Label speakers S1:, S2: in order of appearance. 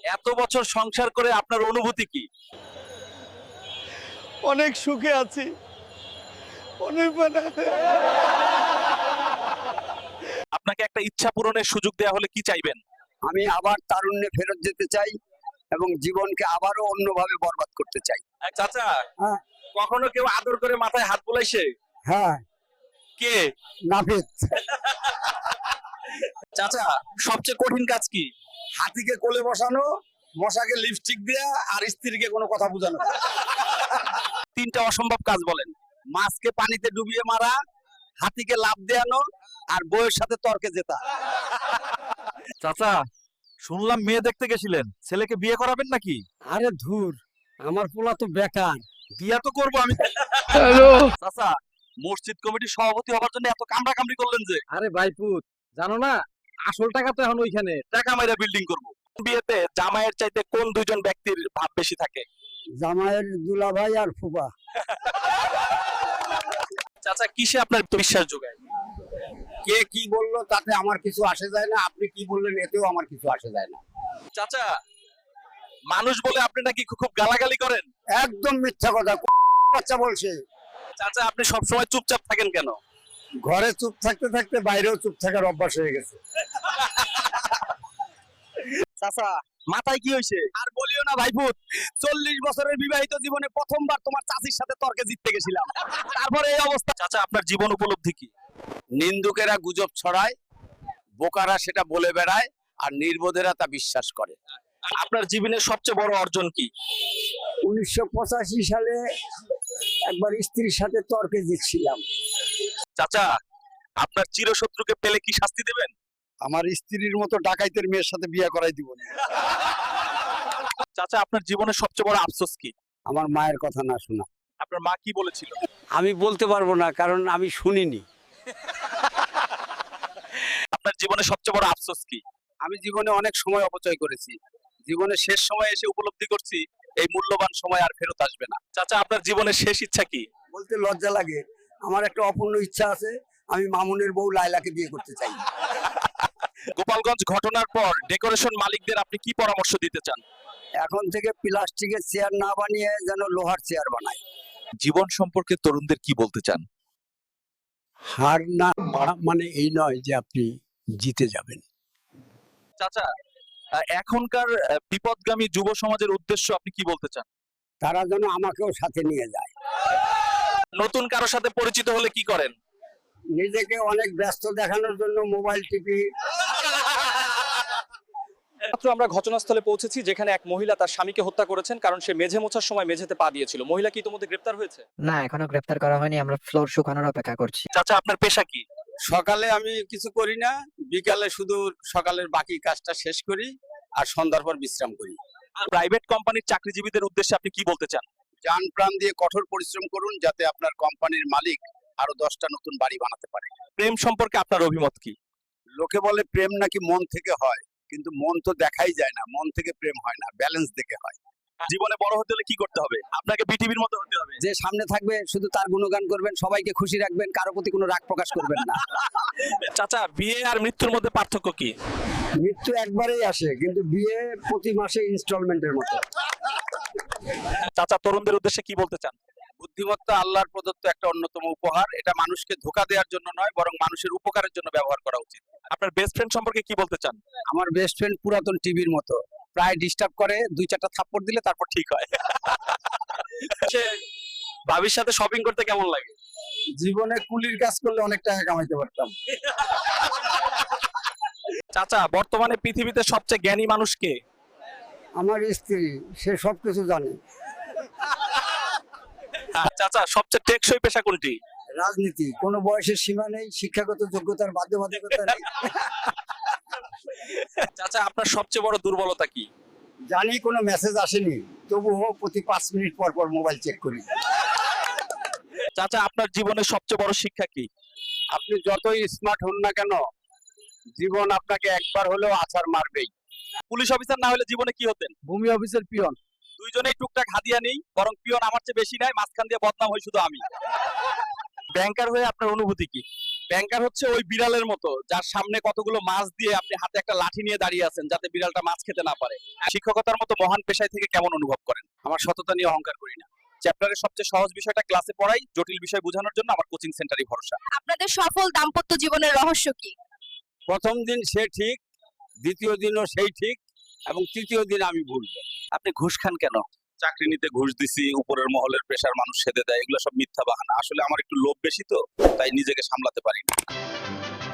S1: এত বছর সংসার করে আপনার অনুভূতি কি?
S2: অনেক সুখে আছি, অনেক
S1: আপনাকে একটা ইচ্ছা পূরণের সুযোগ দেয়া হলে কি চাইবেন?
S3: আমি আবার তারুণ্যে ফেরত যেতে চাই এবং জীবনকে আবারও অন্যভাবে বরবাদ করতে চাই।
S1: চাচা,
S3: হ্যাঁ।
S1: কখনো কেউ আদর করে মাথায় হাত বুলাইছে?
S3: হ্যাঁ,
S1: কে?
S3: নাপিত।
S1: চাচা, সবচেয়ে কঠিন কাজ কি?
S3: হাতিকে কোলে বসানো, মশাকে লিপস্টিক দেয়া, আর স্ত্রীকে কোনো কথা বোঝানো।
S1: তিনটা অসম্ভব কাজ বলেন।
S3: মাছকে পানিতে ডুবিয়ে মারা, হাতিকে লাফ দেয়ানো, আর বউয়ের সাথে তর্কে জেতা।
S1: চাচা, শুনলাম মেয়ে দেখতে গেছিলেন, ছেলেকে বিয়ে করাবেন নাকি?
S3: আরে ধুর, আমার পোলা তো বেকার।
S1: বিয়া তো করবো আমি। চাচা, মসজিদ কমিটির সভাপতি হবার জন্য এত কামড়া কামড়ি করলেন যে?
S2: আরে ভাইপুত, জানো না আসল টাকা তো এখন ওইখানে।
S1: টাকা মাইরা বিল্ডিং করব। বিয়েতে জামাইয়ের চাইতে কোন দুইজন ব্যক্তির ভাব বেশি থাকে?
S3: জামাইয়ের দুলাভাই আর ফুপা।
S1: চাচা, কিসে আপনার বিশ্বাস যোগায়?
S3: কে কি বললো তাতে আমার কিছু আসে যায় না, আপনি কি বললেন এতেও আমার কিছু আসে যায় না।
S1: চাচা, মানুষ বলে আপনি নাকি খুব গালাগালি করেন?
S3: একদম মিথ্যা কথা, বাচ্চা বলছে।
S1: চাচা, আপনি সবসময় চুপচাপ থাকেন কেন?
S3: ঘরে চুপ থাকতে থাকতে বাইরেও চুপ থাকার অভ্যাস হয়ে গেছে।
S1: চাচা, মাথায় কি হয়েছে?
S3: আর বলিও না ভাইপুত, 40 বছরের বিবাহিত জীবনে প্রথমবার তোমার চাচির সাথে তর্কে জিততে গেছিলাম, তারপরে এই অবস্থা।
S1: চাচা, আপনার জীবন উপলব্ধি কি?
S3: নিন্দুকেরা গুজব ছড়ায়, বোকারা সেটা বলে বেড়ায়, আর নির্বোধেরা তা বিশ্বাস করে।
S1: আপনার জীবনের সবচেয়ে বড় অর্জন কি?
S3: 1985 সালে একবার স্ত্রীর সাথে তর্কে জিতছিলাম।
S1: চাচা, আপনার চিরশত্রুকে পেলে কি শাস্তি দেবেন?
S3: আমার স্ত্রীর মতো ডাকাইতের মেয়ের সাথে বিয়ে করাই দিব না।
S1: চাচা, আপনার জীবনের সবচেয়ে বড় আফসোস কি?
S3: আমার মায়ের কথা না শোনা।
S1: আপনার মা কি বলেছিল?
S3: আমি বলতে পারবো না, কারণ আমি শুনিনি।
S1: আপনার জীবনের সবচেয়ে বড় আফসোস কি?
S3: আমি জীবনে অনেক সময় অপচয় করেছি, জীবনের শেষ সময় এসে উপলব্ধি করছি এই মূল্যবান সময় আর ফেরত আসবে না।
S1: চাচা, আপনার জীবনের শেষ ইচ্ছা কি?
S3: বলতে লজ্জা লাগে, আমার একটা অপূর্ণ ইচ্ছা আছে, আমি মামুনের বউ লায়লাকে বিয়ে করতে চাই।
S1: গোপালগঞ্জ ঘটনার পর ডেকোরেশন মালিকদের আপনি কি পরামর্শ দিতে চান?
S3: এখন থেকে প্লাস্টিকের চেয়ার না বানিয়ে যেন লোহার চেয়ার বানায়।
S1: জীবন সম্পর্কে তরুণদের কি বলতে চান?
S3: হার না মানে এই নয় যে আপনি জিতে যাবেন।
S1: চাচা, এখনকার বিপদগামী যুব সমাজের উদ্দেশ্য আপনি কি বলতে চান?
S3: তারা যেন আমাকেও সাথে নিয়ে যায়।
S1: নতুন কারো সাথে পরিচিত হলে কি করেন?
S3: নিজেকে অনেক ব্যস্ত দেখানোর জন্য মোবাইল টিপি।
S4: মাত্র আমরা ঘটনাস্থলে পৌঁছেছি, যেখানে এক মহিলা তার স্বামীকে হত্যা করেছেন কারণ সে মেঝে মোছার সময় মেঝেতে পা দিয়েছিল। মহিলা কি ইতোমধ্যে গ্রেপ্তার হয়েছে?
S5: না, এখনো গ্রেফতার করা হয়নি, আমরা ফ্লোর শুকানোর অপেক্ষা করছি।
S1: চাচা, আপনার পেশা কি?
S3: সকালে আমি কিছু করি না, বিকালে শুধু সকালের বাকি কাজটা শেষ করি, আর সন্ধ্যার পর বিশ্রাম করি।
S1: প্রাইভেট কোম্পানির চাকরিজীবীদের উদ্দেশ্যে আপনি কি বলতে চান?
S3: জান প্রাণ দিয়ে কঠোর পরিশ্রম করুন, যাতে আপনার কোম্পানির মালিক আরো 10টা নতুন বাড়ি বানাতে পারে।
S1: প্রেম সম্পর্কে আপনার অভিমত কি?
S3: লোকে বলে প্রেম নাকি মন থেকে হয়, কিন্তু মন তো দেখাই যায় না, মন থেকে প্রেম হয় না, ব্যালেন্স দেখে হয়।
S1: জীবনে বড় হতে হলে কি করতে হবে? আপনাকে পৃথিবীর মতো হতে হবে।
S3: যে সামনে থাকবে শুধু তার গুণগান করবেন, সবাইকে খুশি রাখবেন, কারো প্রতি কোনো রাগ প্রকাশ করবেন না।
S1: চাচা, বিয়ে আর মৃত্যুর মধ্যে পার্থক্য কি?
S3: মৃত্যু একবারেই আসে, কিন্তু বিয়ে প্রতি মাসে ইনস্টলমেন্টের মতো।
S1: চাচা, তরুণদের উদ্দেশ্যে কি বলতে চান?
S3: বুদ্ধিমত্তা আল্লাহর প্রদত্ত একটা অন্যতম উপহার, এটা মানুষকে ধোঁকা দেওয়ার জন্য নয়, বরং মানুষের উপকারের জন্য ব্যবহার করা উচিত।
S1: আপনার বেস্ট ফ্রেন্ড সম্পর্কে কি বলতে চান?
S3: আমার বেস্ট ফ্রেন্ড পুরাতন টিভির মতো, প্রায় ডিস্টার্ব করে, 2-4টা থাপ্পড় দিলে তারপর ঠিক হয়।
S1: ভাবির সাথে শপিং করতে কেমন লাগে?
S3: জীবনে কুলির কাজ করলে অনেক টাকা কামাইতে পারতাম।
S1: চাচা, বর্তমানে পৃথিবীতে সবচেয়ে জ্ঞানী মানুষ কে?
S3: আমার স্ত্রী, সে সবকিছু জানে।
S1: চাচা, সবচেয়ে টেকসই পেশা কোনটি?
S3: রাজনীতি, কোনো বয়সের সীমা নেই, শিক্ষাগত যোগ্যতার বাধ্যবাধকতা নেই।
S1: চাচা, আপনার সবচেয়ে বড় দুর্বলতা কি?
S3: জানি কোনো মেসেজ আসেনি, তবুও প্রতি 5 মিনিট পর পর মোবাইল চেক করি।
S1: চাচা, আপনার জীবনের সবচেয়ে বড় শিক্ষা কি?
S3: আপনি যতই স্মার্ট হন না কেন, জীবন আপনাকে একবার হলেও আছাড় মারবেই।
S1: পুলিশ অফিসার না হলে জীবনে কি হতেন?
S3: ভূমি অফিসের পিয়ন।
S1: দুইজনেই টুকটাক হাদিয়া নেই, বরং পিয়ন আমার চেয়ে বেশি নেয়, মাঝখান দিয়ে বদনাম হয় শুধু আমি। ব্যাংকার হয়ে আপনার অনুভূতি কি? ব্যাংকার হচ্ছে ওই বিড়ালের মতো যার সামনে কতগুলো মাছ দিয়ে আপনি হাতে একটা লাঠি নিয়ে দাঁড়িয়ে আছেন যাতে বিড়ালটা মাছ খেতে না পারে। শিক্ষকতার মতো মহান পেশায় থেকে কেমন অনুভব করেন? আমার সততা নিয়ে অহংকার করি না। চ্যাপ্টারের সবচেয়ে সহজ বিষয়টা ক্লাসে পড়াই, জটিল বিষয় বোঝানোর জন্য আমার কোচিং সেন্টারই ভরসা।
S6: আপনাদের সফল দাম্পত্য জীবনের রহস্য কি?
S3: প্রথম দিন সে ঠিক, দ্বিতীয় দিনও সেই ঠিক, এবং তৃতীয় দিন আমি ভুল।
S1: আপনি ঘুষ খান কেন? চাকরি নিতে ঘুষ দিছি, উপরের মহলের প্রেশার মানুষ সেধে দেয়, এগুলো সব মিথ্যা বাহানা। আসলে আমার একটু লোভ বেশি তো, তাই নিজেকে সামলাতে পারি না।